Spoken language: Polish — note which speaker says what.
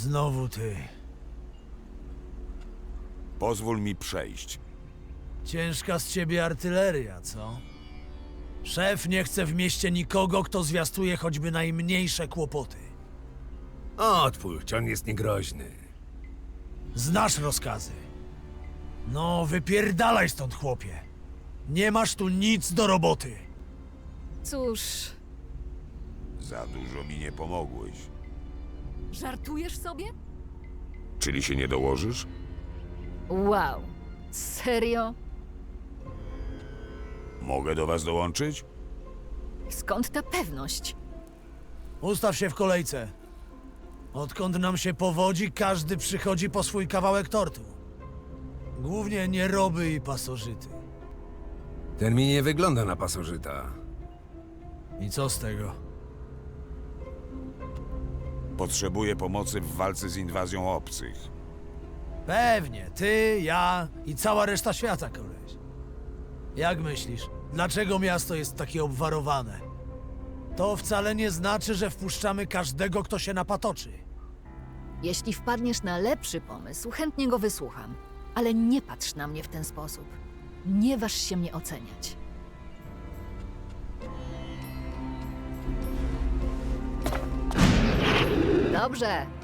Speaker 1: Znowu ty.
Speaker 2: Pozwól mi przejść.
Speaker 1: Ciężka z ciebie artyleria, co? Szef nie chce w mieście nikogo, kto zwiastuje choćby najmniejsze kłopoty.
Speaker 3: Odpuść, on jest niegroźny.
Speaker 1: Znasz rozkazy. No, wypierdalaj stąd, chłopie. Nie masz tu nic do roboty.
Speaker 4: Cóż,
Speaker 2: Za dużo mi nie pomogłeś.
Speaker 4: żartujesz sobie?
Speaker 2: Czyli się nie dołożysz?
Speaker 4: Wow, serio?
Speaker 2: Mogę do was dołączyć?
Speaker 4: Skąd ta pewność?
Speaker 1: Ustaw się w kolejce. Odkąd nam się powodzi, każdy przychodzi po swój kawałek tortu. Głównie nieroby i pasożyty.
Speaker 3: Ten mi nie wygląda na pasożyta.
Speaker 1: I co z tego?
Speaker 2: Potrzebuję pomocy w walce z inwazją obcych.
Speaker 1: Pewnie, ty, ja i cała reszta świata, koleś. Jak myślisz, dlaczego miasto jest takie obwarowane? To wcale nie znaczy, że wpuszczamy każdego, kto się napatoczy.
Speaker 4: Jeśli wpadniesz na lepszy pomysł, chętnie go wysłucham. Ale nie patrz na mnie w ten sposób. Nie waż się mnie oceniać. Dobrze,